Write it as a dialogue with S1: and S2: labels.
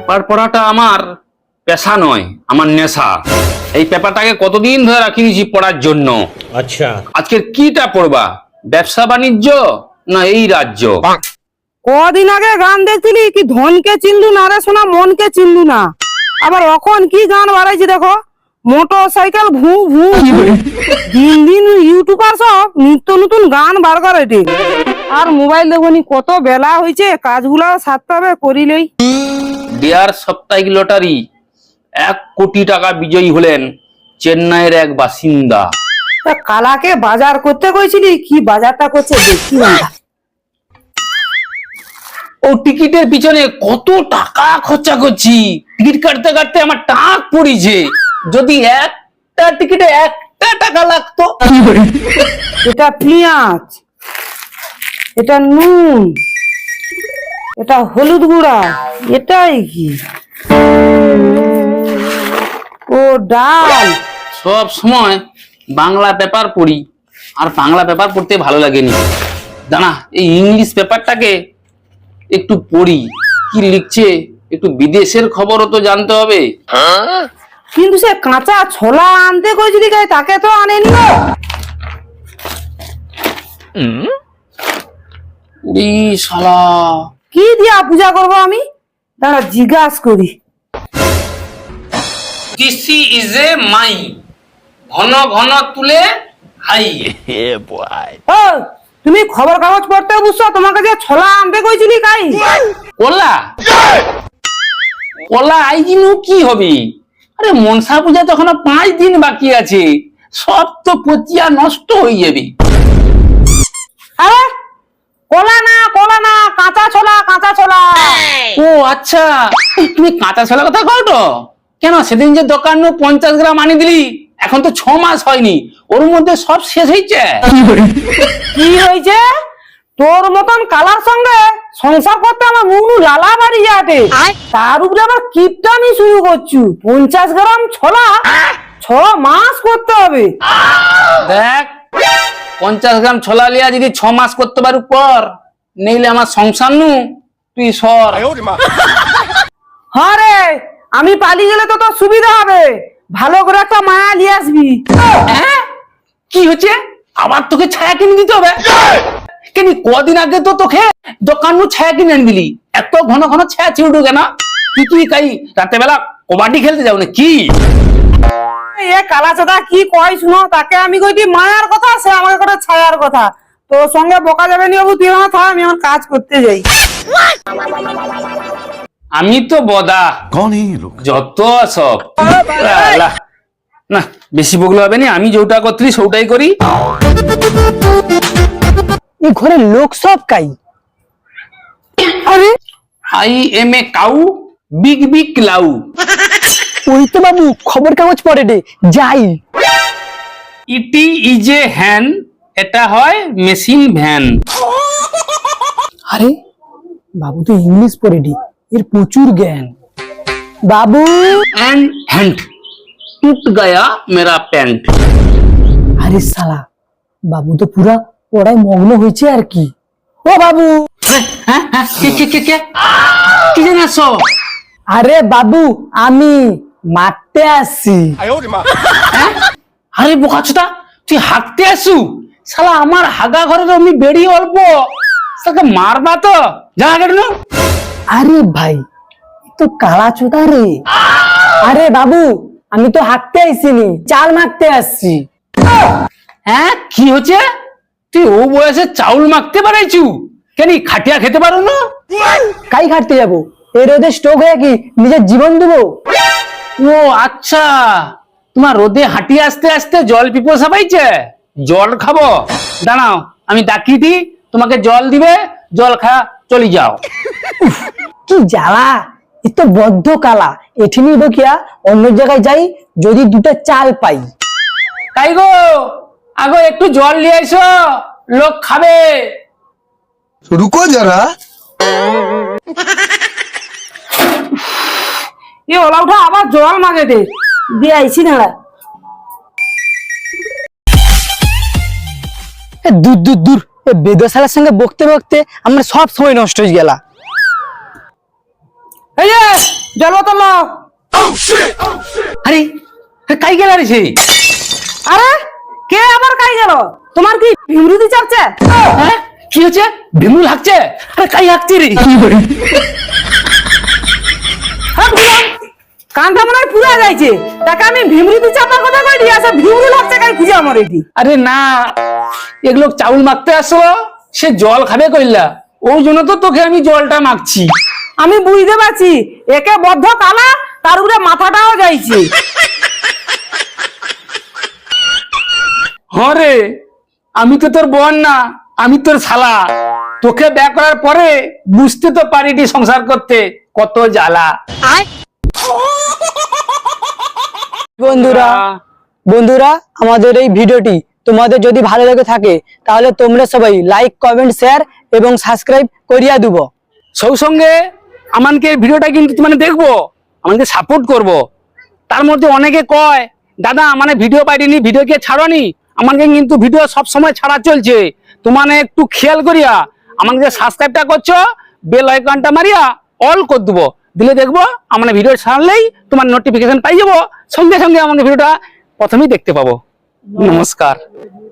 S1: Paper পড়াটা আমার পেশা নয়, আমার নেশা। এই পেপারটাকে কতদিন ধরে রাখি নিয়েছি পড়ার জন্য।
S2: আচ্ছা,
S1: আজকের কিটা পড়বা? ব্যবসা বাণিজ্য না এই রাজ্য?
S3: কদিন আগে গান দেখছিলি কি ধনকে চিনলু না রে সোনা, মনকে চিনলু না। আবার এখন কি গান বাড়াইছে দেখো, মোটর সাইকেল ভু ভু। দিন দিন ইউটিউবার সব নিত্য নতুন গান বার করে রে। আর মোবাইল দেখুনি, কত বেলা হয়েছে, কাজগুলো সারতে হবে করিলেই।
S1: ডিয়ার সাপ্তাহিক লটারি 1 কোটি টাকা বিজয়ী হলেন চেন্নাইয়ের এক বাসিন্দা।
S3: তা কালাকে বাজার করতে কইছিলি, কি বাজারটা করছে দেখি না।
S1: ও টিকিটের পিছনে কত টাকা খরচা করছি, টিকিট কাটতে কাটতে আমার টাক পড়িছে। যদি একটা টিকিটে 1 টাকা লাগতো।
S3: এটা পেঁয়াজ, এটা নুন, এটা হলুদ গুঁড়া, এটাই কি? ও ডাল।
S1: সব সময় বাংলা পেপার পড়ি, আর বাংলা পেপার পড়তে ভালো লাগেনি। দাঁড়া, এই ইংলিশ পেপারটাকে একটু পড়ি, কি লিখছে একটু বিদেশের খবরও তো জানতে হবে।
S3: কিন্তু সে কাঁচা ছোলা আনতে কইছিলি গাই, তাকে তো আনেনি।
S1: উড়ি শালা,
S3: কি দিয়া পূজা করব আমি? দাঁড়া জিজ্ঞাস করি।
S1: দিসি ইজ এ মাই, ঘন ঘন তুলে হাই।
S3: ও তুমি খবর কাগজ পড়তে বুঝছো, তোমাকে যে ছোলা আনতে কইছিলি গাই।
S1: কলা কলা আইজিনু কি হবে? আরে মনসা পূজা তো এখনো 5 দিন বাকি আছে, সব তো পচিয়া নষ্ট হয়ে যাবে।
S3: আরে কলা না, কলা না, কাঁচা ছোলা, কাঁচা ছোলা।
S1: ও আচ্ছা, তুমি কাঁচা ছোলা কথা কও তো? কেন সেদিন যে দোকান 50 গ্রাম আনি দিলি, এখন তো 6 মাস হয়নি, ওর মধ্যে সব শেষ হয়েছে।
S3: কি হয়েছে? তোর মতন কালার সঙ্গে সংসার করতে আমার মুখ লালা বাড়ি যাবে। তার উপরে আবার কিপটামি শুরু করছু। 50 গ্রাম ছোলা 6 মাস করতে হবে।
S1: দেখ, 50 গ্রাম ছোলা লিয়া যদি 6 মাস করতে পারু পর, নেইলে আমার সংসার নু তুই সর।
S3: হ্যাঁ রে, আমি পালিয়ে গেলে তো তোর সুবিধা হবে। ভালো করে একটা মায়া নিয়ে আসবি।
S1: হ্যাঁ? কি হচ্ছে? আবার তোকে ছায়া কিনে দিতে হবে? কেন কদিন আগে তো তোকে দোকান ছায়া কিনে আনি দিলি, এত ঘন ঘন ছায়া ছিউড়ু কেন? তুই কি কাই রাতে বেলা কবাডি খেলতে যাও না কি?
S3: এ কালা চাদা কি কয় শুনো, তাকে আমি কইটি মায়ার কথা, সে আমাকে করে ছায়ার কথা। তোর সঙ্গে বকা যাবে নি বাবু, তুই আমার থাক, আমি আমার কাজ করতে যাই।
S1: আমি তো বদা,
S2: कौन है ये लोग?
S1: যত সব আল্লাহ। না বেশি বগলো হবে না, আমি যেটা করতেছি সেটাই করি।
S3: এই ঘরে লোক সব কাই। আরে
S1: I am a cow, big big লাউ।
S3: ওই তো বাবু খবর কাগজ পড়ে রে, যাই।
S1: ইটি ইজ এ হ্যান, এটা হয় মেশিন ভ্যান।
S3: আরে বাবু তো ইংলিশ পড়ে রে, এর প্রচুর জ্ঞান। বাবু
S1: एंड हैंड टूट गया मेरा पैंट।
S3: আরে শালা, বাবু তো পুরা পড়ায় মগ্ন হয়েছে আর কি। ও বাবু।
S1: কি জানাস?
S3: আরে বাবু আমি মারতে আসছি।
S1: আরে বোকাচোদা, তুই হাঁটতে আসু? শালা আমার হাগা ঘরের আমি বেড়ি অল্প, শালাকে মারবা তো, যা কেন?
S3: আরে ভাই এ তো কালা চোদা রে। আরে বাবু আমি তো হাঁটতে আইসিনি, চাল মারতে আসছি।
S1: হ্যাঁ কি হচ্ছে? তুই ও বয়সে চাউল মাখতে পারাইছু? কেন খাটিয়া খেতে পারো না?
S3: কাই খাটতে যাবো? এই রোদে স্ট্রোক হয়ে কি নিজের জীবন দেবো?
S1: ও আচ্ছা, তোমার রোদে হাঁটিয়ে আসতে আসতে জল পিপাসা পাইছে, জল খাবো। দাঁড়াও আমি ডাকি দি, তোমাকে জল দিবে, জল খা চলে যাও।
S3: কি জ্বালা, এ তো বদ্ধ কালা। এঠিনি বকিয়া অন্য জায়গায় যাই, যদি দুটো চাল পাই।
S1: তাই গো, আগো একটু জল নিয়ে এসো, লোক খাবে।
S2: रुको जरा।
S3: এ ওলা উঠা আবার জল মাগে দে, দিয়ে আইছি না। দূর দূর দূর, বেদশালার সঙ্গে বকতে বকতে আমার সব সময় নষ্ট হয়ে গেল। এই যে জল বোতল নাও।
S1: আরে আরে কাই গেল রে সে?
S3: আরে কে আবার কাই গেল? তোমার কি বিমরুতি চাপছে?
S1: হ্যাঁ? কি হচ্ছে? ভিমু লাগছে? আরে কাই হাঁকছে রে?
S3: হ্যাঁ, বুঝলাম। কানটা মনে হয় পুরা যাইছে। তাকে আমি ভিমরুতি চাপার কথা কই দিয়ে আসে ভিমরু লাগছে কাই খুঁজে আমার এটি।
S1: আরে না, এগুলো চাউল মাখতে আসলো, সে জল খাবে কইলা, ওই জন্য তো তোকে আমি জলটা মাখছি।
S3: আমি বুঝতে পারছি একে বদ্ধ কালা, তার উপরে মাথাটাও যাইছে।
S1: হরে, আমি তো তোর বোন না, আমি তোর শালা। তোকে বিয়ে করার পরে বুঝতে তো পারিনি সংসার করতে কত জ্বালা।
S4: বন্ধুরা আমাদের এই ভিডিওটি তোমাদের যদি ভালো লেগে থাকে তাহলে তোমরা সবাই লাইক কমেন্ট শেয়ার এবং সাবস্ক্রাইব করিয়া দিব।
S1: সব সঙ্গে আমাকে ভিডিওটা কিন্তু মানে দেখবো, আমাকে সাপোর্ট করব। তার মধ্যে অনেকে কয় দাদা মানে ভিডিও পাইনি, ভিডিও কে ছাড়নি, আমাকে কিন্তু ভিডিও সব সময় ছাড়া চলছে, তোমার একটু খেয়াল করিয়া আমাকে যে সাবস্ক্রাইবটা করছো বেল আইকনটা মারিয়া অল করে দেবো, দিলে দেখবো আমার ভিডিও ছাড়লেই তোমার নোটিফিকেশন পাই যাবো, সঙ্গে সঙ্গে আমাকে ভিডিওটা প্রথমেই দেখতে পাবো। নমস্কার।